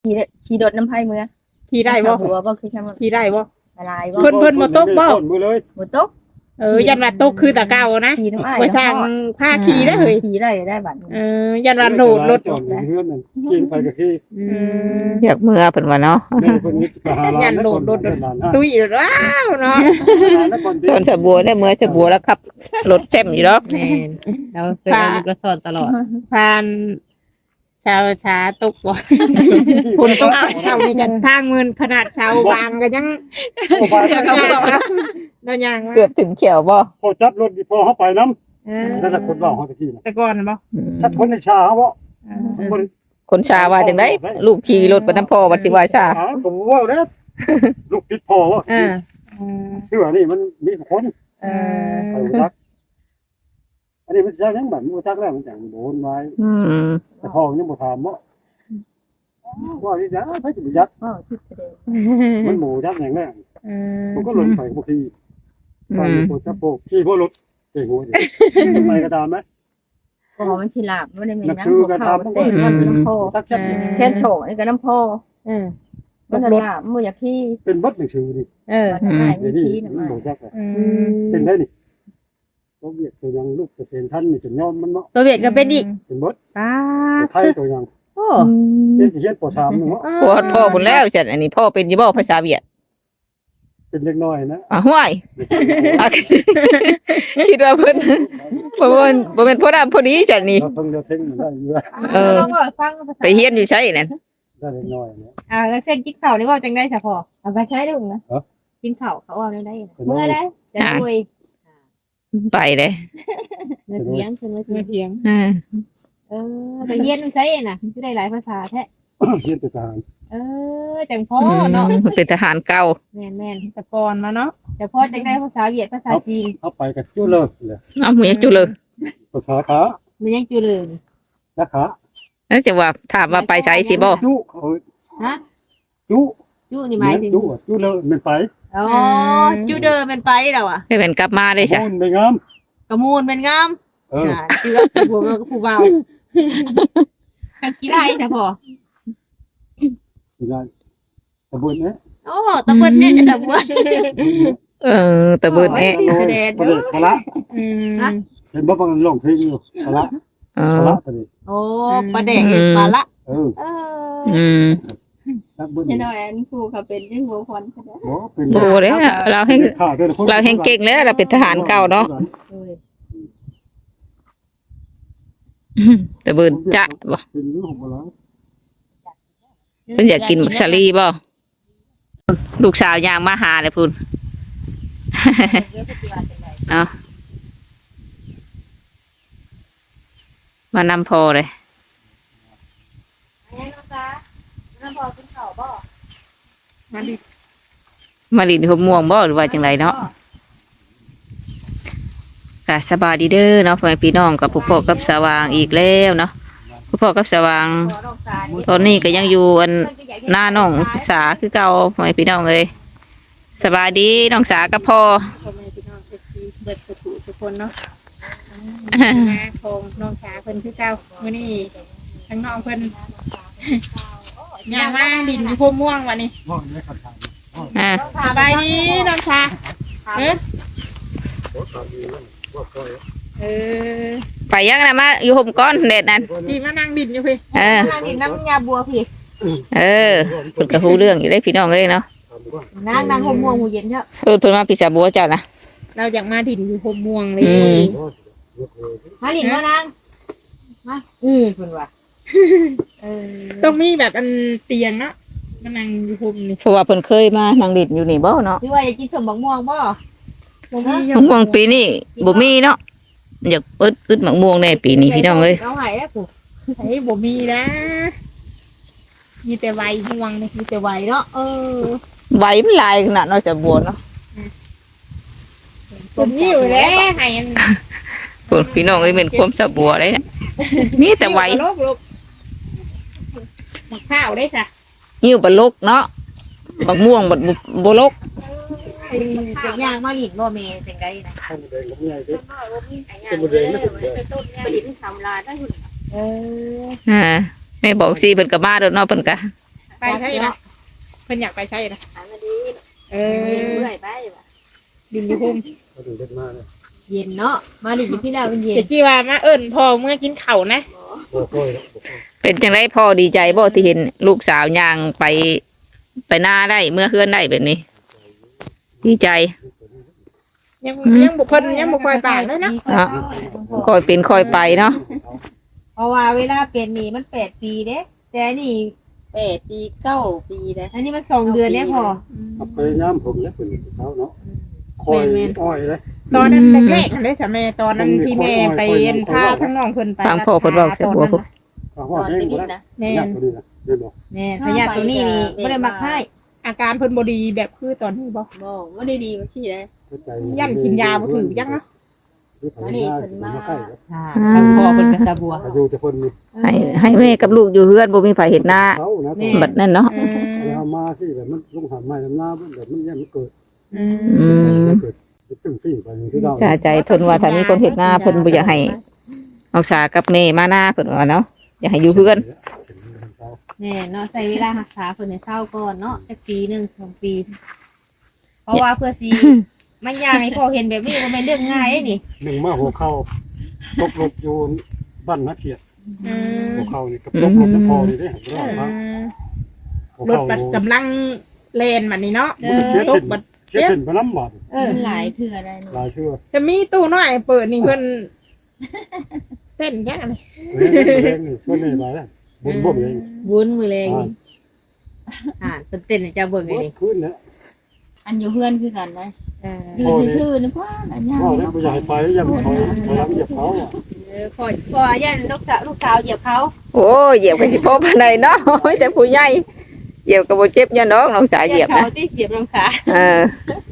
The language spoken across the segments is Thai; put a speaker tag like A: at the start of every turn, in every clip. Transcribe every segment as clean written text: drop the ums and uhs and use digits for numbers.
A: ขี่รถน้ำไผ่เมื่อ
B: ขี่ได้บ่
A: หัวบ่คือทำ
B: ขี่ได้บ่
A: ลายบ่
B: เพิ่นบ่ตกบ่
A: บ่ตก
B: ยันว่าตกคือตะเก่านะ
A: ขี่น้ำอ้าย
B: ไว้สร้างผ้าขี่ได้เฮ้ย
A: ขี่ได้บัด
B: ยันว่าโดดรถ
C: จอดเฮือนนั่นขี่ไปก็ขี่
D: อยากเมื่อเพิ่นว่าเนาะ
C: แม่เพิ่นนี่ไปหาหลาน
B: ตุ้ยว้าวเนาะ
D: ส่วนสะบัวได้เมื่อสะบัวแล้วครับรถแซ่บอยู่ดอก
E: แม่นเราเคยนั่งรถสอนตลอด
B: ผ่านชาวชาตกบ่คนตกเอามีกันสร้างเงินขนาดชาวบางก็ยังเรายัง
D: เกือบถึงเขียวบ่
C: พอจับรถพอเฮาไปนำนั่นน่ะคนเว้าเฮาตะกี้น่ะ
B: แต่ก่อนบ่
C: ถ้าคนในชาเฮาบ่บ่
D: คนชาว่าจังได๋ลูกขี่รถไปนำพ่อว่าสิว่าซา
C: ก็บ่เว้าเด้อลูกติดพ่อว่า คือว่านี่มันมีคนไปจักอันนี้มันจักยังบัดมันจักแล้วมันจังโดนไว้แต่พ่อยังบ่ถามบ่ว่านี่จ้ะไปสิจัก
A: บ่คิดแสดง
C: มันหมูจักอย่างแรกผมก็หล่นไปบ่ขี่ไปบ่จักโปขี่บ่รถเก่งหัวดิไปก็ตามมั้ย
A: พอมันสิลาบบ่ได้แม่
C: นัก
A: น
C: ชื่อก็ตาม
A: เตะน้ำโพ
C: ตักจัก
A: แค่โถนี่ก็น้ำโพมันลาบมืออยากขี้
C: เป็นบัดหนังชื่อนี่
A: มันได้มี
C: นี่
A: ขี้
C: มัน
A: น่ะ
C: บ่จักเป็นได้นี่ตัวเวียดตัวยังลูกจะเป็นท่านนี่จะยอมมันเนาะ
E: ตัวเวียดก็เป็นอีก
C: เป็นบัด
E: ป้า
C: ไทยตัวยัง
E: โอ้
C: เป็นสิเฮ็ดป .3 นึงเนาะ
D: พ่อบุญแล้วจัดอันนี้พ่อเป็นอยู่บ่ภาษาเวียด
C: เป็นเล็กน้อยนะ
D: ห้วยคิดว่าเพิ่นบ่เป็นพ่อดำพอดีจัดนี่
C: เราต้องจะเท่งได้อยู่
E: ฟัง
D: ไปเฮียนอยู่ใช่นั่น
C: ได้เล็กน้อยเนี่ย
E: แล้วเส้นกินข้าวนี่ว่าจังได้ซะพ่อ
A: เอาไปใช้ได้บ่นะ
E: กินข้าวเขาเอาได้
A: เมื่อได้
E: จะคุย
D: ไปเด้
E: เมื่อเที่ยงคือเมื่อ
B: เมื่อ
E: เที่ยง
B: เถียง
E: ไปเรียนใช้น่ะสิได้หลายภาษาแท้
C: เฮ็ดทหาร
E: จังพ่อเนาะ
D: เป็นทหารเก่า
E: แม่น
B: แต่ก่อนมาเนาะ
E: ๆแต่พ่อจังได้ภาษาเวียดภาษาจีน
C: เอาไปกับจุเลยเลย
D: เอาหมูจุเลย
C: ภาษาขา
E: มันยังจือเลย
C: และขา
D: แล้วจะว่าถามว่าไปใช้สิบ่
C: จุเขา
E: ฮะ
C: จุ
E: จุนี่หมายถึง
C: จุเลยมันไป
E: อ๋อจุเดิมเป็นไปแล้วอ่ะ
D: ให้เป็นกลับมาได้จ้ะ
C: มันไปงาม
E: กระมูลเป็นงาม เชื่อผู้เราก็ผู้เบากี่ได้จ้ะพ่อ
C: ได้ตะบุญเนี่ย
E: โอ้ตะเบิดเนี่ยตะเบิด
D: ตะเบิดแอะ
C: ประเด็นพละเห็นบ่บางลงเพลงอยู่พละพละประเด็น
E: โอ้ประเด็กมาละ
C: ตะบุญ
A: เห็นว่าอันครูเขาเป็นเรื่องหัวควันใช่มั้ย
C: เป็น
D: โอ้เด้เราแห่งเก่งแล้วเราเป็นทหารเก่าเนาะตะเบิดจะบ่
C: เป็นเรื่องของเรา
D: เพิ่นอยากกินบักชาลีบ่ลูกสาวยางมาหาเลยพุ่น เนาะมานำพอเลยมาลินหัวม่วงบ่หรือว่าจังไรเนาะก็สบายดีเด้อเนาะพ่อแม่พี่น้องกับผู้พ่อกับสว่างอีกแล้วเนาะผู้พ่อกับสว่างตอนนี้ก็ยังอยู่อันหน้าน้องสาคือเก่าพ่อแม่พี่น้องเลยสบายดีน้องสากับพ่อ
B: พ่อแม่พี่น้องเบิดทุกคนเนาะมาโคงน้องชาเพิ่นคือเก่ามื้อนี้ทั้งน้องเพิ่นย่างมาดินอยู่พวกม่วงวันนี้
C: ว่าเนี่ยขัดขัน
B: สบายดีน้องชา
D: ไปยังนะมาอยู่ห่มก้อนเด็ดนั่น
B: พี่มานั่งดินอยู่พี่
E: ทางนี้น้ำยาบัวพี่
D: เพิ่นก็ฮู้เรื่องอยู่ได้พี่น้องเอ้ยเนาะ
E: นางหัวม่วงหัวเย็นเถอะ
D: เพิ่นมาพิษาบัวเจ้านะ
B: เราอยากมาดินอยู่พวกม่วงเลย
E: มาหลินมานางมาคุณว่า
B: ต้องมีแบบอันเตียงเนาะมานั่งอยู่พวกนี่
D: เพราะว่าเพิ่นเคยมานั่งดินอยู่นี่บ่เนาะ
E: พี่ว่าอยากกินสมบักม่วงบ่
D: มะม่วงปีนี้บ่มีเนาะอยากอึดมะม่วงในปีนี้พี่น้องเอ้ย
E: เราหายแล้วกู
B: ไอ้บ่มีนะมีแต่ใบม่วงนี่
E: มีแต่ไหวเนาะ
D: ใบมันลายขนาดเนาะจะบัวเนาะ
B: ผมมีอยู่แล้วให้อัน
D: พวกพี่น้องเอ้ยเป็นความสะบัวเลยนะมีแต่ใบ
B: ลูกมะข้าวได้จ้ะ
D: หิ้วบะลกเนาะมะม่วงบ่ลก
E: จะย่างมาหลินบ่เมย์จังไดนะ
C: ข้าวแดงกับใหญ่ดิเป็นบริเวณไม่ถึงเลย
E: ไปหลินสำลาได้หุ่น
D: แม่บอกสิเพิ่นก็มาเด้อเนาะเพิ่นก็
B: ไปใช่นะเพิ่นอยากไปใช่นะ
E: หามาดี
B: เอ
E: เมื่
B: อ
E: อยไปว่ะ
B: ดินอยู่พุ่ม
C: ก็ถึงเด็กมาเลย
E: เย็นเนาะมาดิอยู่ที่เราเป็นเย็น
B: เจ็ดที่ว่ามาเอิ้นพ่อเมื่อกินข้าวนะ
C: โอ้โห
D: เป็นจังไดพ่อดีใจบ่ที่เห็นลูกสาวย่างไปหน้าได้เมื่อเฮือนได้แบบนี้ ดีใจ
B: ยังบุเพิ่นยังบุคอยปากเลยนะ
D: อ่ะ ค่อยเป็นค่อยไปเนาะ
E: เพราะว่าเวลาเปลี่ยนนี่มัน8 ปีเด้แต่นี่8 ปี 9 ปีเด้อันนี้มัน2 เดือนเนี่ยพอ
C: ไปน้ำผมเนี่ยเป็นเขาเนาะคอยอ้อยเลย
B: ตอนนั้นแรกๆได้สามีตอนนั้นที่แม่ไปเอ็นพาทั้งน้องเพิ่นไป
D: ฟังพ่อเพิ่นเว้าเสียบัวพุ่น
C: เขา
E: ต
C: ว่า
E: อน
C: แห้ง
E: ติ
C: หม
E: ด
C: ดแล้ว
E: นะ
B: แม่
C: ยากกว่านี้นะเดี๋ยวบอก
E: แม่พญาตัวนี้นี่บ่ได้มาค่าย
B: อาการเพิ่นบ่ดีแบบคือตอนนี้บ่
E: บ่บ่ได้ดีว่าซี่เด้
B: ยันกินยาบ่ถือจังเนาะ
E: ทางพ่อเพิ่นก็ตาบัว
C: อยู่แต่คนนี้
D: ให้แม่กับลูกอยู่เฮือนบ่มีไผเห็นหน้า
C: เขานะ
D: บัดนั้นเนาะ
C: เอามาที่แบบมันลงหาไม้ลำหน้าแบบมันยังไม่เกิด
D: อืม
C: เกิดตึ้งสิ่งไปที่เรา
D: ชาใจเพิ่นว่าถ้ามีคนเห็นหน้าเพิ่นบ่อยากให้เอาสากับแม่มาหน้าเพิ่นว่าเนาะอยากให้อยู่เฮือน
E: แน่เนาะใช้เวลารักษาเพิ่นให้เศร้าก่อนเนาะจักปีหนึง2 ปี เพราะว่าเพื่อสิมันอยากให้พ่อเห็นแบบนี้บ่แม่นเรื่องง่ายเด้นี่
C: หนึ่งมาหัวเข่าตกหลบอยู่บ้านนักเกียรติหัวเข่านี่กับตกหลบจะพอนี่ได้หัว
B: รถ
C: เข่า
B: บัดกำลังเลนบัดนี้เนาะ
C: มันเชื่อ
B: ต
C: ขึ้
B: ก
C: น
B: บัด
C: เชื่อขึ้นไปน้ำบาด
E: มันหลายเทื่อได้เนาะ
C: ลายเชื่อ
B: จะมีตู้น้อยเปิดนี่เพิ่นเต้นแค่ไหน
C: เล่นนี่ช่วยนี่ไปแล้วบุญบ่มเอง
E: วุ้นมือแรงนี่เพิ่นเต้นให้เจ้าเบิ่งเลยนี่
C: ขึ้นเนี่ย
E: อันอยู่เพื่อนคือกันนะยืนซื่อๆนะพ่ออันยา
C: พ่อได้ผู้ใหญ่ไปยังถอยหลังเหยียบเขา
E: พ่อย่านลูกสาวเหยียบเขา
D: โอ้ยเหยียบกันสิพบปานใดเนาะโอ้ยแต่ผู้ใหญ่เหยียบก็บ่เจ็บยันน้องน้องสาวเหยียบ
E: เขา
D: นะ
E: ที่เหยียบลำขา
D: เออ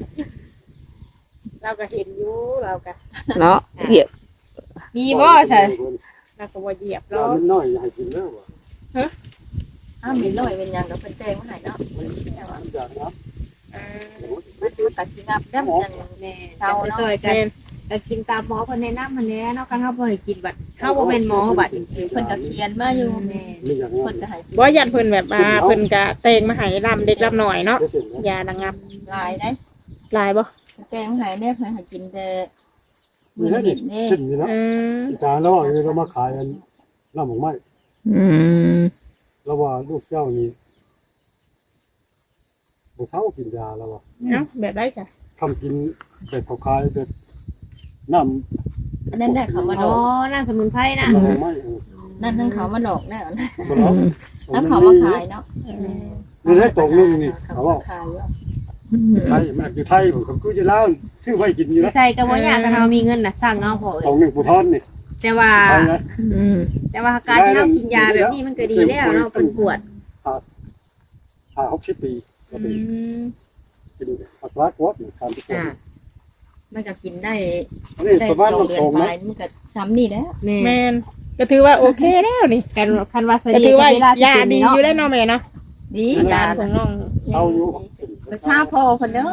B: เราก็เห็นอยู่เราก็
D: เนาะเหยียบ
E: มีบ่ใช่
B: เราก็บ่เหยียบ
C: เรา
B: เรา
C: มันน้อยให้กินแล้วว่ะ
E: อ้าวมีน้อยเป็นหยังดอกเพิ่นแจ้งมาให้เนาะ
C: จากนั้น
E: มันตัดสิงับได้จังแน่เฒ่าเนาะก็กินตามหมอเพิ่นแนะนำหั่นแหละเนาะคันเฮาบ่ให้กินบัดเฮาบ่แม่นหมอบัดเพิ่นก็เขียนมาอยู่แม่
C: ไม่อย่าง
E: เพิ่
C: นั้น
E: นก็ให้กิน
B: บ่ยันเพิ่นแบบเพิ่นก็เตงมาให้ลำเด็กลำหน่อยเนาะยาระงับ
E: หลายได้
B: ลายบ่
E: แจ้งมาให้แน่เพิ่นให้กินแต่
C: มี
E: มื้อ
C: ให้
E: นิดนี่
C: ขึ้นนี่นะ
B: อืม
C: จานแล้วเรามาขายกันน้ำหมกไม้
D: อืม
C: แล้วว่าลูกเจ้านี่บุเท้ากินยาแล้วว่า
B: เนาะแบบได้จ้ะ
C: ทำกินแบบเขาขายแบบน้
E: อันนั้นได้เขามาดอกนั่นสมุนไพรนะ
C: ำหมกไม้
E: นั่นทั้งเขามาดอกแน่
C: บ่เนาะ
E: แล้วเขามาขายเนาะ
C: นี่ได้ตรงนึงนี่เขาว่า
E: ขายเนาะ
C: ไทยมันอยู่ไทยผมก็จะเล่าชื่อไว้กินอยู่นะ
E: ใส่ก็บ่ยากถ้าเรามีเงินน่ะสั่งเอาพอ
C: ตรงนึงผู้ทอนนี่
E: แต่ว่า
C: ไทยนะ
D: อืม
E: แต่ว่าการที่เรากินยาแบบนี้มันก็ดีแล้วเนาะเป็นปวด
C: 60 ปีก็
B: อื
C: เป็น
B: ม
C: กินอัตรากวดนี่การที่
E: อ่ามันก็กินได้
C: อันนี้
E: ได้
C: ประมาณ
E: 2
C: มัน
E: เดือ
C: ต
E: น
C: รง
E: ไป
C: นะ
E: มันก็ซ้ำนี่แหล้วแม่
B: แม่นก็ถือว่าโอเคแล้วนี่
E: กันคันว่าส
B: ก็
E: ดี
B: ถือว่า
E: เวลาย
B: า
E: สิ
B: ดี
E: เนาะ
B: อยู่ได้เนาะแม่เนาะ
E: ดี
B: อา
E: าย
B: ยารของน้อง
C: เอาอยู่
E: ไปทราบพ่อเพิ่นเด้อ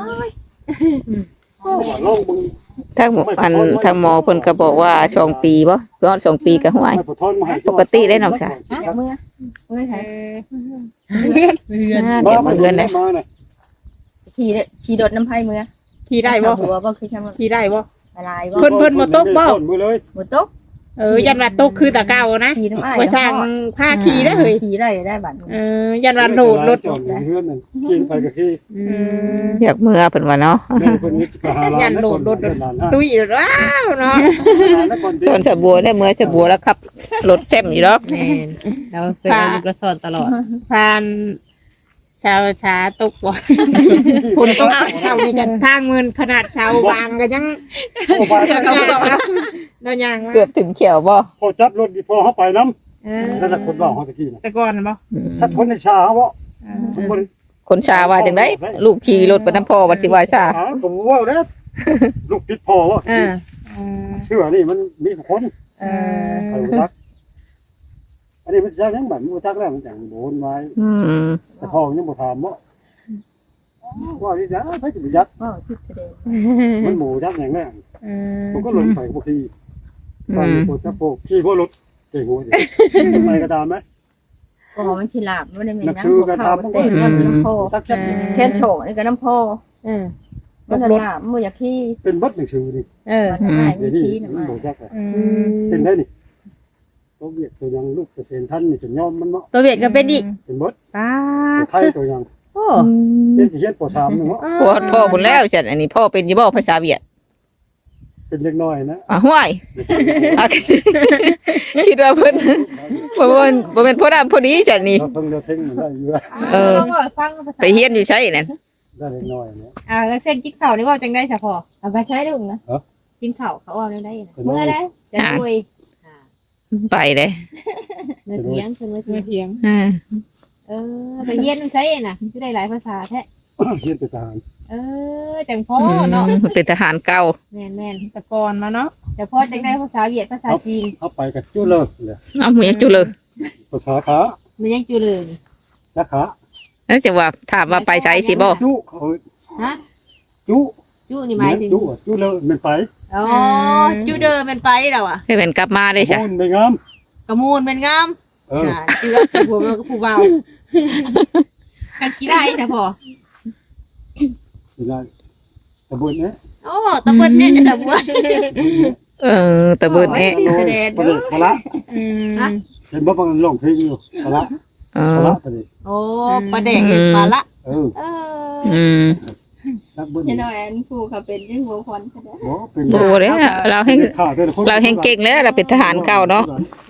C: ลองมึง
D: ทางหมอทางหมอเพิ่นก็บอกว่า2 ปีบ่ย้อน2 ปีก็ห่วย
C: ไม่ผู้ทอนมาให้
D: ปกติได้น้องชาย
E: เมื่อใช่
B: เพื่อน
D: เดี๋ยวมาเฮือนได้
C: มาน่ะ
E: ขี่รถน้ำไผ่เมื่อ
B: ขี่ได้บ่
E: หัวบ่คือช่างมัน
B: ขี่ได้บ่
E: ลายบ่
B: เพิ่นบ่ตกบ่
C: มือเลย
E: บ่ตก
B: ยันว่าตกคือตะเก่านะ
E: ขี่น้ำอ้าย
B: ไว้สร้างผ้าขี่ได้เฮ้ย
E: ขี่ได้บัด
B: ยันว่าโดดรถ
C: จอดเฮือนนั่นกินไปก็คือ
D: อยากเมื่อเพิ่นว่าเนาะ
C: แม่คนนี้ก็หาร้านแล้วคน
B: ตุ้ยว้าวเนาะ
D: ส่วนสะบัวได้เมื่อสะบัวแล้วขับรถแซ่บอยู่ดอก
E: แม่นเราเคยเอาลูกกระสอนตลอด
B: ผ่านชาวช้าตกบ่คุณต้องเอาเช่านี่กันทางเงินขนาดชาววางก็ยังเรายังว่า
D: เกือบถึงเขียวบ่
C: พอจับรถพอเขาไปน้ำนั่นแหละคนบอกเขาตะกี้นะ
B: แต่ก่อนบ่
C: ถ้าคนในชาเขาบอกคน
D: คนชาว่าจังได๋ลูกขี่รถไปน้ำพ่อว่าสิว่าชา
C: ผมว่าแล้วลูกติดพอว่าเชื่อนี่มันมีคน ใครรู้จักอันนี้มันจะยังแบบรู้จักแล้วมันจังโดนไว้
D: อืม
C: แต่พ่อยังบ่ถามว่าที่จะไปจะยัด
E: ว้าวที่แสดง
C: มันหมูยัดอย่างแรกผมก็ลงไปพวกที่ตอน
D: อืม
C: พวกจะพวกที่พวกรถเก่งหัวไปกระดามไหม
E: ก็มันสิลาบมันได้แม่
C: นัก
E: น
C: ชื่อกัน
E: ข้าว
C: ทำ
E: เต็ม
A: น้ำโพ
C: ตักจับ
E: แค่นโฉนี่ก็น้ำโพมันจะลาบมันอยากขี้
C: เป็นบัดหนังสือนี่
E: ได้
C: เดี๋ยว
E: มี
C: นี้
E: ขี้น่ะ
C: มัน
E: มา
C: บอกจักอะ
B: อืม
C: เป็นได้นี่ตัวเวียดตัวยังลูกเกษตรท่านนี่จะยอมมันเนาะ
E: ตัวเวียดก็เป็นอีก
C: เป็นบัด
E: ป้า
C: ไทยตัวยัง
E: โอ้
C: เป็นที่เฮ็ดปอ3นึงเนาะ
D: พ่อพุ่นแล้วฉันอันนี้พ่อเป็นอยู่บ่ภาษาเวียด
C: เป็นเล็กน้อยนะ
D: ห้วยอ่ะคิดว่าเพิ่นบ่แม่นพ่อดำพอดีฉันนี่
C: เราเพิ่งจะเท่งมันได้อยู่
E: ฟังภาษา
D: ไปเฮียนอยู่ใช่นั่น
C: ได้เล็กน้อยนะ
E: แล้วเส้นกินข้าวนี่ว่าจังได้ซะพอเอาไปใช้ดูนะ
C: ฮะ
E: กินข้าวเขาเอาได้เมื่อได้จะคุย
D: ไปเลย
E: เมื่อเที่ยงคือเมื่อ
B: เมื่
E: เที่ย
B: อง เที่ยง
E: ไปเรียนใช้น่ะจะได้หลายภาษาแท้
C: เฮียนเป็นทหาร
E: จังพ่อเนาะ
D: เป็นทหารเก่า
E: แม่น
B: แตะกอนมาเนาะ
E: แต่พ่อจังได้ภาษาเวียดภาษาจีน
C: เอาไปกับจุเลิกเลย
D: เอาหมูยังจุเลย
C: ภาษาขา
E: มันยังจุเลย
C: และขา
D: แล้วจะว่าถามว่าไปใช้สิบ่
C: จุเขา
E: ฮะ
C: จุ
E: จุนี่หมายถึง
C: จุจุเลิกมันไป
E: อ๋อจุเดินเป็นไปแล้วอ่ะ
D: ให้เป็นกลับมาได้ใช่
C: มันไม่งาม
E: กระมูลเป็นงาม
C: เออ
E: เชื่อผู้เราก็ผู้เบากันกี่ได้ใช่พอ
C: ไม่ได้ตะบุญเนี่ย
E: โอ้ตะเบิ้ลเนี่ยจะตะเบิ้ล
D: ตะเบิดเอ๊ะ
C: ประเด็นพละ
B: อืม
C: เห็นบ่บางลงเพลงอยู่พละ
D: เอ
C: พ
D: อ
C: ละประเด็น
E: โอ้ประเด็กเห็นปลาละ
C: เออ
D: อืม
C: นักบุญ
E: เห็นว่าอันครูเขาเป็นยังหัวคนใช่ไหม
C: บ่เป็น
D: โอ้เลยเราแห่ง
C: ขาแต่ละคน
D: เราแห่งเก่งแล้วเราเป็นทหารเก่าเนาะ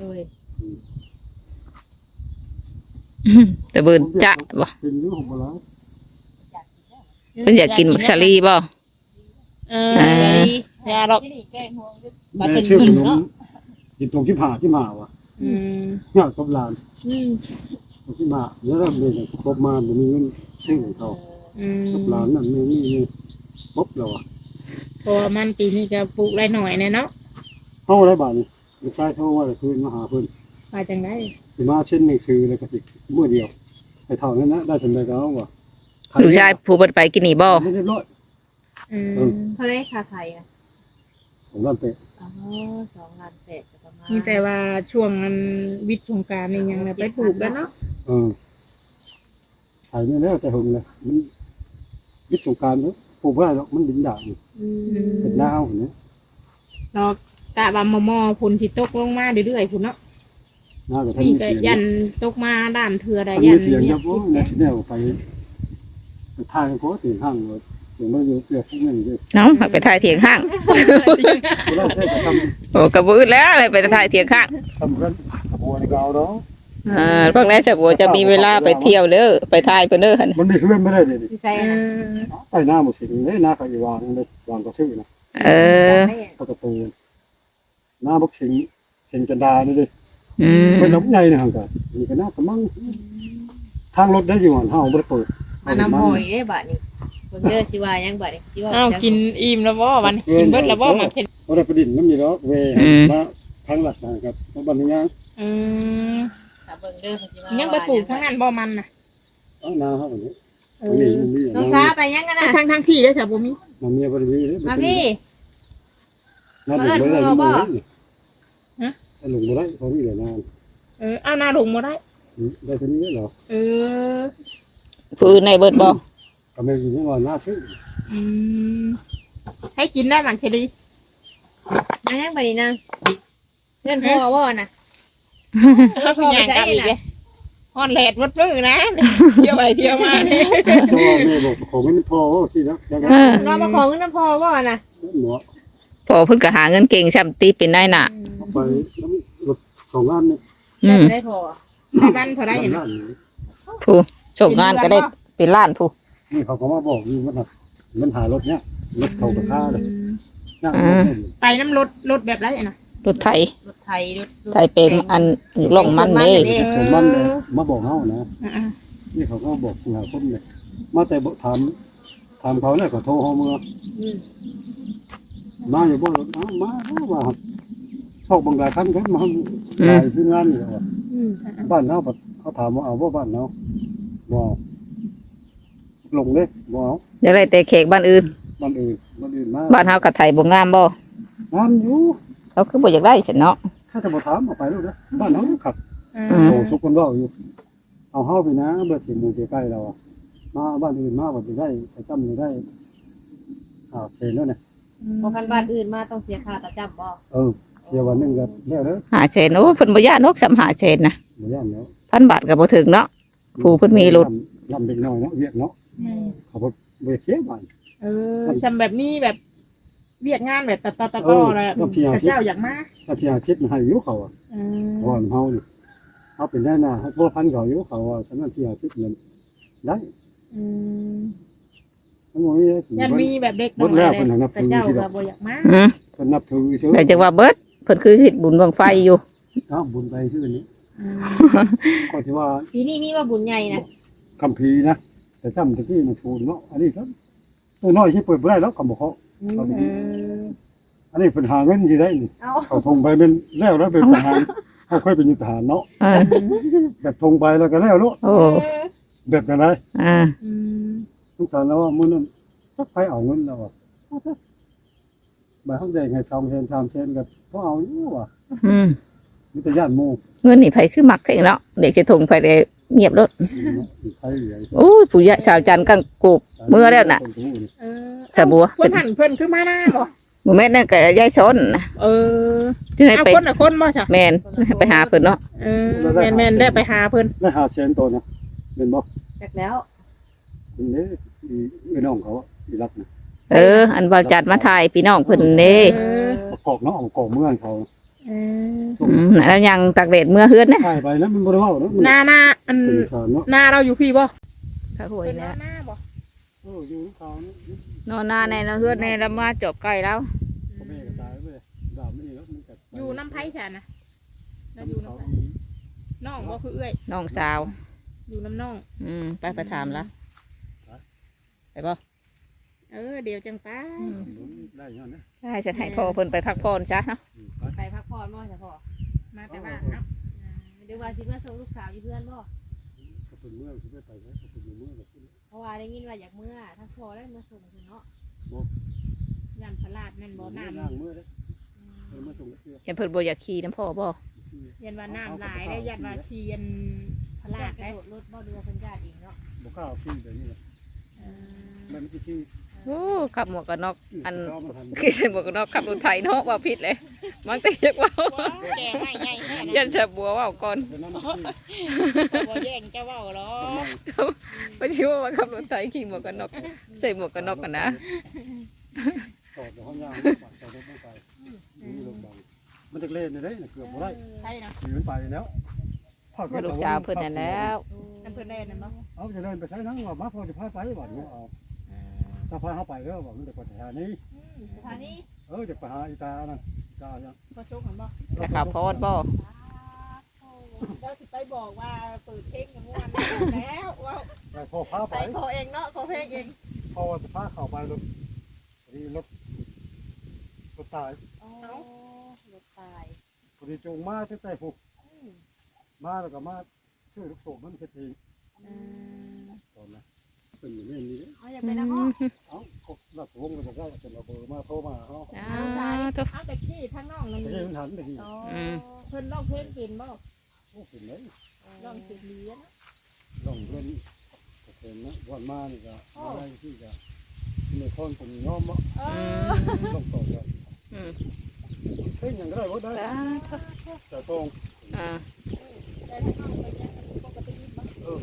D: ตะเบิดจะบ่
C: เป็นอยู่ของบ่แล้ว
D: เพิ่นอยากกินมักชาลีบ่
B: เออยาดอก
E: มาเป็น
C: ชื่อ
E: หิว
C: ขนม
E: เนาะ
C: กินตรงที่ผ่าที่มาว่ะ
B: อืม
C: เนี่ยกบลานตรงที่มาแล้วเราเลยกบมาบ่มีเงินซื้อเขา
B: อืม
C: กบลานนั่นนี่ปุ๊บแล้วอ่ะ
B: เพราะว่ามันปีนี้ก็ปลูกไรหน่อยเนี่ยเนาะ
C: เฮาได้บาดนี้ลูกชายโทรว่าคืนมาหาเพิ่น
B: มาจังได้
C: สิมาเช่นหนังสือแล้วก็สิมื้อเดียวไปเท่านั้นนะได้จำได้ก็เอาว่ะ
D: ลูกชายผู้เบิดไปกินนี่บ่
C: ไม่เรียบร้อย
B: อืม
E: เขาได้คาไทยอ่ะ
C: ผมว่าเป็น
E: อ๋อ2 ล้าน 8ประมาณ
B: มีแต่ว่าช่วงนั้นวิทย์สงกรารนี่ยังเลยไปปลูกแล้วเนาะ
C: ขายไม่แล้วแต่หงเลยมันวิทย์สงการเนาะปลูกไม่ได้หรอกมันดินด่างเป็นหน้าเอาเนี่ย
B: เรากะบามมอๆพุ่นที่ตกลงมาเรื่อยๆพุ่นเนาะ
C: หน้ากับท่าน
B: นี่
C: มี
B: ก็
C: เสียง
B: ยันตกมาด้านเถื่อได้
C: ท่าน
B: ยั
C: มี
B: น
C: เสียง
B: เนี่
C: ยั
B: ย
C: บว่าในที่แนวไปทางโพสถึงห้างเลยเสียงมันเยอะเสียพวกนี้เลย
D: น้องไปถ่ายเถียงข้าง
C: เราใช้ท
D: โอ้กระบือแล้วเลยไปถ่ายเถียงข้าง
C: ำกันบัวในเกาเนาะ
D: พวกนี้จะบัวจะมีเวลาไปเที่ยวเด้อไปถ่ายเพิ่นเด้อหั่น
C: มันมีเพื่อนไม่ได้เลย
E: ที่ใส่
B: เอ
E: นะ
B: อ
C: ไอ้หน้าหมดสิ่งนี้หน้าเขาอยู่วางเลยวางก็ชื่อนะ
D: เออ
C: ประตูหน้าบกสิงจันดานี่ดิ
D: อืม
C: เป็นน้ำใหญ่นะฮังกันนี่ก็น่าสมั่งทางรถได้อยู่หันเฮาบ่ได้เปิด
E: มานำหอยได้บัดนี้คนเด้อสิว่ายังบัดนี้สิว่า
B: อ้าวกินอิ่มแล้วบ่วันกินเบิดแล้วบ่มาเผ็ด
C: บ่ได้ประดิษฐ์น้ำนี่เนาะเวมาทางหลักนะครับมาบันนี้ยัง
B: อืม
E: ถ้าเบิ่งเด้อสิว่า
B: ยังไปปลูกทั้งนั้นบ่มันน่ะ
C: เอานาเฮาแบบนี้
B: เอ
C: นี่
B: อ
C: นี่
E: น้องฟ้าไปยังกันน่ะ
B: ทั้งที่แล้วจ้ะบ่มี
C: มันมีบ่ได้มี
E: มาพี่
C: น้าหลงบ่ได้อยู่หลงบ่ได้เขามีแต่นาน
B: เอาหน้าลงบ่ได้
C: ได้เท่านี้เหรอ
B: เออ
D: ผู้อื่นในเบิดบ่
C: ก็ไม่อยู่ว่าหน้าชื่อ
B: อืมให้กินได้หลังเฉลี
E: มายังบัดนี้นะเพื่อนพ่อบ่น่ะ
B: เขาพยายามกันอีกเลยฮอนแลดวัดมือนะเที่ยวไปเที่ยวมาเนี่ย
C: ตัวแม่บอกของมันพอสินะยังไง
E: เรามาขอเงินน้ำพ่อบ่น่ะ
C: หมอ
D: พอเพิ่นก็หาเงินเก่งช่ำตีเป็นนายหน้า
C: ไปน้ำรถ2อันนี่
D: อืม
E: ได้พ่อ
B: บ้านเท่าไรเนี่ย
D: ผู้ส่งงานก็ได้เป็นล้านผู้
C: นี่เขาก็มาบอกอยู่ว่ามันหารถเนี้ยรถเขากับค่าเลยนั่ง
B: ไปน้ำรถแบบไรนะ
D: รถไถ
E: รถไทยรถ
D: ไถเป็นอันอยู่ล่องมันเด้
C: ผมมันเลยมาบอกเขานะนี่เขาก็บอกหาคนเลยมาแต่บอกถามเขาเนี่ยก็โทรเขาเมื่อมาอยู่บ่รถมาว่าชอบบางรายคันก็มาหลายที่งานนี่ว่าบ้านเขาถามว่าเอาว่าบ้านเขาบ่ลงเลยบ่เอา
D: อยากได้แต่เค้กบ้านอื่น
C: บ้านอื่นมา
D: บ้านเฮากับไทยบ่งามบ่
C: งามอยู่
D: เขาคือบ่อยากได้ฉันเนาะ
C: ถ้าจะบ่ถามเอาไปลูกนะบ้านเขาขับ
D: อืม
C: โตสุกคนว่าอยู่เอาเฮาไปนะเบิดสิหมู่ใกล้เราอ่ะมาบ้านอื่นมาบ่ได้ไปจำได้เห็นแล้วเนี่ย
E: พอกันบ้านอื่นมาต้องเสียค่าประจำบ่
C: เดี๋ยววันนึงก็แล้วเด้อ
D: หาเศษโอ้เพิ่นบ่ย่านนกสำหาเศษนะ
C: บ่ย่านแล้ว
D: 1,000 บาทก็บ่ถึงเนาะผู้เพิ่นมีรถ
C: ลำเป็นน้อยเนาะเวียกเนาะเขาบ่เสียบ้าน
B: ทำแบบนี้แบบเวียกงานแบบต่อๆแล้วเจ้าอยากมา
C: ถ้าที่อาทิตย์ให้อยู่เขาอ่ะเพราะว่าเฮานี่เฮาเป็นได้น่ะให้บ่พันเขาอยู่เขาว่าฉะนั้นที่อาทิตย์เงินได้ทั้งหมดนี้
B: ยันมีแบบเด็กน้อยแต่เจ้าก็บ่อยากมา
D: อืม
C: เพิ่นนับถือเชื่อ
D: แต่จังว่าเบิดเพิ่นคือเฮ็ดบุญบังไฟอยู่
C: บุญไปชื่อนี้ก็ที่ว่า
E: ปีนี้มีว่าบุญใหญ่นะ
C: คัมภีร์นะแต่จำตะกี้มันชูนเนาะอันนี้ครับตัวน้อยที่เปิดบ่ได้แล้วคำบอกเขาอันนี้เป็นหาเงินสิได้นี่
E: เอา
C: เขาทงไปเป็นแล้วเป็นทหารเขาค่อยเป็นทหารเนาะ
D: เออ
C: แบบทงไปแล้วก็แล้วเนาะ
D: โอ้
C: แบบนั้นเลย
D: อ่า
C: ทุกท่านแล้วว่ามื้อนั้นสักไปเอาเงินแล้วอ่ะบ่เฮาได้ให้2เซน3เซนก็พอเอาอยู่ว่ะ
D: อืม
C: มีแต่ย่านหมู่
D: เงินนี่ไผคือมักเองเนาะเด็กจะทงไปได้เงียบรถ
C: ใครเหลือ
D: โอ้ยผู้ใหญ่สาวจันทร์กังกูบเมื่อแล้วน่ะสะบัว
B: เพิ่นหันเพิ่นคือมาหน้าบ่
D: บ่แม่นนั่นก็ยายสนนะ ที่ให้
B: เอา
D: ไป
B: คนบ่จ้ะ
D: แม่นไปหาเพิ่นเนาะ
B: แม่นได้ไปหาเพิ่น
C: ได้5เซนตัวนะเป็นบ่
E: จากแล้ว
C: เป็นนี้อีน้องเขาอีรักนะ
D: อันว่าจัดมาถ่ายพี่น้องเพิ่นเด้
C: ประกอบเนาะประกอบเมืองเขา
D: แล้วยังตากแดดเมื่อเฮือนนะ
C: ใช่ไปแล้วมันบ่ได้เว้าเนาะมัน
B: หน้าอัน
C: เป็นการเนาะ
B: หน้าเราอยู่พี่บ่
D: ถ้าหวย
B: เป็นห
D: แล้ว
B: น้าบ่
C: อยู่เขานี่
D: นอนหน้าในนอนเฮือนในแล้วมาจบไก่แล้ว
C: พ่อแม่ก็ตายไปดาวนี่แล้วมันก็
B: อยู่น้ำไผ่ฉันนะเราอยู่น้ำไผ่น้องบ่คือเอื้อย
D: น้องสาว
B: อยู่น้ำน้อง
D: ไปถามละไปบ่
B: เดี๋ยวจังป้า
C: ได้ย้อนนะ
D: ใช่ฉันให้พ่อเพิ่นไปพักผ่อนซะเนาะ
E: ไปพักผ่อนบ่จ้ะพ่อ
B: มาแต่บ้านเนาะ
E: เดี๋ยวว่าสิมาส่งลูกสาวอยู่เพื่อนบ่
C: เขาเป็นเมืองที่ไปแล้วเขาเป็นเมืองแบบนี้
E: เพราะว่าได้ยินว่าอยากเมื่อทั้งพ่อได้มาส่งเนาะ
B: ยันพลาดนั่นบ่น้
C: ย่างเมื่อเด้มาส่งเสื้อ
D: เห็นเพิ่นบ่อยากขี่น้ำพ่อบ่
B: ำยันว่าน้ำหลายได้ยันว่าเทียนพลาด
E: กระ
B: ได้
E: โดดรถบ่ดูว่าเพิ่นญาติเองเนาะ
C: บ่กล้าขี้แบบนี้มันไม่ขี้
D: โอ้ขับหมวกกันน็อกอัน
C: เขามาทำ
D: ขี่ใส่หมวกกันน็อกขับรถไถเนาะว่าผิดเลยมันแต่อยากว่า
B: แกไม่ใหญ่แน่
D: ยันจะบัวว่าก่อน
C: เป็นน้ำมันขี้
B: บ่แย่งเจ้าเว้าหรอ
D: ไม่ชื่อว่าขับรถไถขี่หมวกกันน็อกใส่หมวกกันน็อกกันนะ
C: ต่อจากห้องย่างปัดต่อรถไม่ไปนี่ลงบังมันจะเล่นได้เกือบบ่ได้
B: ใช่เนาะ
C: ขี่มันไปแล้ว
D: ลูกสาวเพิ่นนั่นแล้ว
B: นั่นเพิ่นได้นั่นบ่
C: เอาจะเดินไปใช้นั่งว่ามาพอจะพาไปบ่เนี่ยเอาถ้าพาเขาไปแล้วบอกมันจะไปหานี้
E: สถานี
C: จะไปหาอีตานั่นตาเนี่ย
B: บ่ชกเห็นบ่
D: จะขับพอดบ่
B: เราสิไปบอกว่าเปิดเพลงกันม่วนแล้วว่า
C: แต่พอพาไป
B: ไปขอเองเนาะขอเพลงเอง
C: พอจะพาเข้าไปรถดีรถตาย
E: อ๋อรถตาย
C: พอดีจงมาตั้งแต่ผูกมาแล้วก็มาช่วยลูกโป่งมันเป็นทีตอนนั้นเป็นอย่างนี้นี่
E: เอาอยากไปนำบ่
C: เอาหลักวงก็จะได้เป็นระเบิดมาโทรมาเขา
B: เอาแต่กี้ทั้งน้องนั่น
C: จะได้มันหันไปที
E: อ๋อ
B: เพิ่นร้องเพลงเป็นบ่
C: โอ้เป็นเลย
B: ร้องเสียงดีนะ
C: ลองเล่นเป็นนะวันมานี่ก็ได้ที่จะในคนผมย้อมว่าต้องต่อกันเฮ้ยยังก็ได้ว่าได้แต่ตรง
B: แต่ทั้งน้องเป็นยังปกติบ่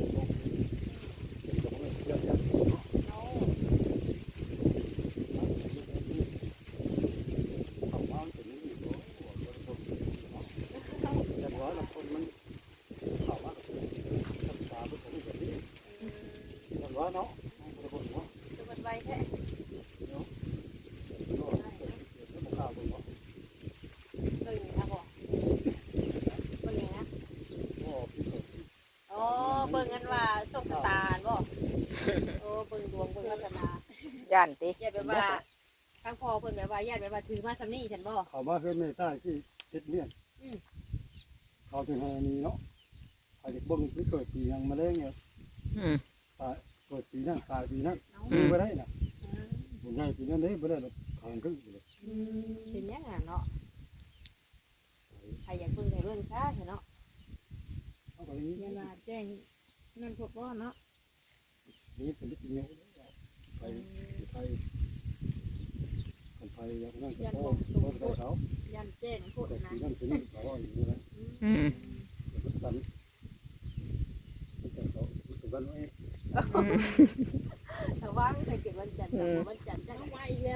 C: เนาะ
E: คือมันไวแท้ เบิ่งนะบ่เบิ่งหยังนะอ๋อเบิ่งกันว่าโชคชะตาบ่โอ้เบิ่งดวงเบิ่งวาสนา
D: ย่านติ
E: ญาติแบบว่าทางพ่อเพิ่นแบบว่าญาติแบบว่าถือมาซำนี้ฉันบ่
C: เขามาเพื่อนไม่ใต้ที่ติดเลี่ยนเขาถึงให้นี้เนาะใครจะบ่งที่เกิดปียังมาเล่นเนี่ยเกิดปีนั้นตายปีนั้นไม่ได้นะบุญใหญ่ปีนั้นเลยไม่ได้หรอกขางขึ้นเลย
E: เป็นหยังอ่ะเนาะใครอยากเบิ่งได้เบิ่งซะเถอะเนาะ
C: เอาไปนี้
B: เวลาแจ้งนั่นพวกว่าเนาะ
C: นี่เป็นที่เงี้ยไปไปคนไทยยังนั่งกับพ่อพ่อเขา
B: ยันแจ้งพูด
C: แต่
B: นะ
C: ที่นั่นที่นี่เขาอย่างนี้นะ
D: อืม
C: มันสั่นแต่เขาเป็นวันนี้
E: แต่ว่าไม่เคยเก็บวันจันทร์วันจันทร์จะ
B: เอาไว้แล้ว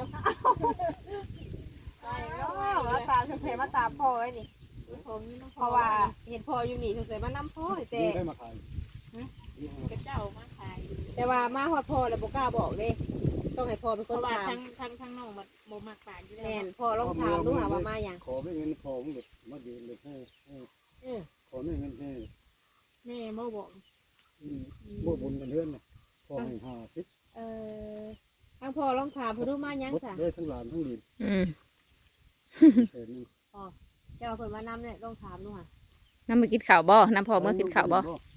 E: ไปเนาะมาตามสงสัยมาตามพ่อไว้นี่
B: ผมนี่น้อง
E: เพราะว่าเห็นพ่ออยู่นี่สงสัยมานํพ่อแต่
C: ได้มาขาย
B: กระเจ้ามาขาย
E: แต่ว่ามาฮอดพ่อแล้วบ่กล้าบอกเด้ต้องให้พ่อเป็น
B: เพ
E: คน
B: ราะว่า
E: ถาม
B: ทั้งน้องมันโมมากปานอยู่แล้
E: แม่
B: วน
E: พ่อลองถามดูหาว่ามาหยัง
C: ขอไม่เงินพอมึงแบบมายืนเลยให้ขอไม่เงินให้
B: แม่โมบอก
C: บ่บุญกันเรื่อนนะพอให้50
E: ทางพ่อลองถามเพิ่นดูมาหยังซะ
C: ได้ทั้งหลานทั้งหลีน
D: อืม
C: เห็น
E: เจ้าเพิ่นมานำเนี่ยลองถามดูหา
D: น้ำมากินข้าวบ่น้ำพอเมื่อกินข้าวบ่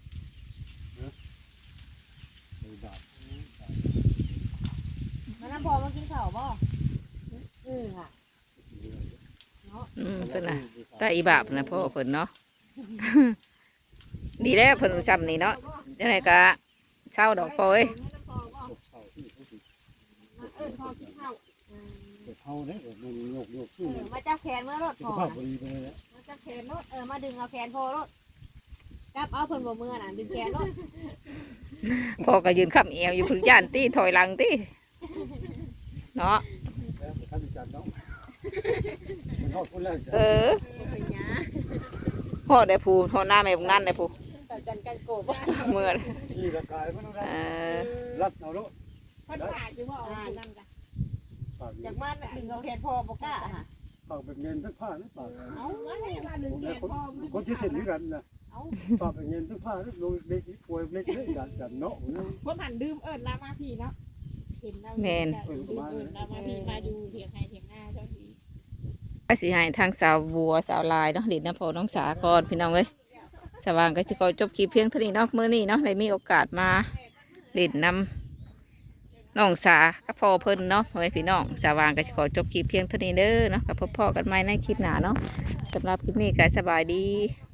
E: มานำพ่อมากินข้าวบ่ค่ะ
D: อืมเพิ่นน่ะตาอีบาปนะพ่อเพิ่นเนาะ ดีแล้วเพิ่นซ้ำนี่เนาะจังไดก็เช่าดอกพอเอ้ย
C: เท่าเนี่ยมันโยกขึ้น
E: มาจับแขนเมื่อรถ
C: สุ
E: พ่
C: ข
E: อ
C: ภาพดีไปเลย
E: มาจับแขนรถมาดึงเอาแขนพ่อรถจับเอาเพิ่นบ่มือน่ะดึงแขนรถ
D: พ่อก็ยืนค้ำเอวอยู่พื้นย่านตี้ถอยหลังตี้เนาะ
C: แล้วท่านจันน้องมันทอดคนแรก
D: เออ
E: เป็นหยัง
D: พ่อได้ผู้พ่อหน้าแม่บุงนั่นได้ผู้
E: ต่จันกันโกบ
D: เมื่อ
C: ขี่ร่างกายมันต้อง
D: เออ
C: รัดเอาแล้ว
B: คนขาดอยู่ว่าเอานั่นกัน
C: ปาก
E: จากมันดึงเอาแขนพ่อบ่กล้าค่ะ
C: ปากเป็นเงินทั้งผ้าทั้งปาก
B: เอาไว้ให้มาดึงแขนพ่อมือ
C: คนที่เห็นนี่กันนะปากเป็นเงินทั้งผ้าทั้งลงเล็กป่วยเล็กเล็กจันเนาะ
B: คนหันดื่มเอิญลามาพี่เนาะเห็นเราดื่มเอิญลามาพี่มาดูเถียงให้เถียงหน้าเจ้าที
D: ไปสิให้ทางสาวบัวสาวลายเนาะเด็ดน้ำพอน้องสาคอนพี่น้องเอ้ยสว่างก็จะขอจบคลิปเพียงเท่านี้เนาะมื้อนี้เนาะได้มีโอกาสมาเล่นนำน้องสากับพ่อเพิ่นเนาะพ่อแม่พี่น้องสว่างก็จะขอจบคลิปเพียงเท่านี้เด้อเนาะกับพ่อกันใหม่ในคลิปหน้าเนาะสำหรับคลิปนี้ก็สบายดี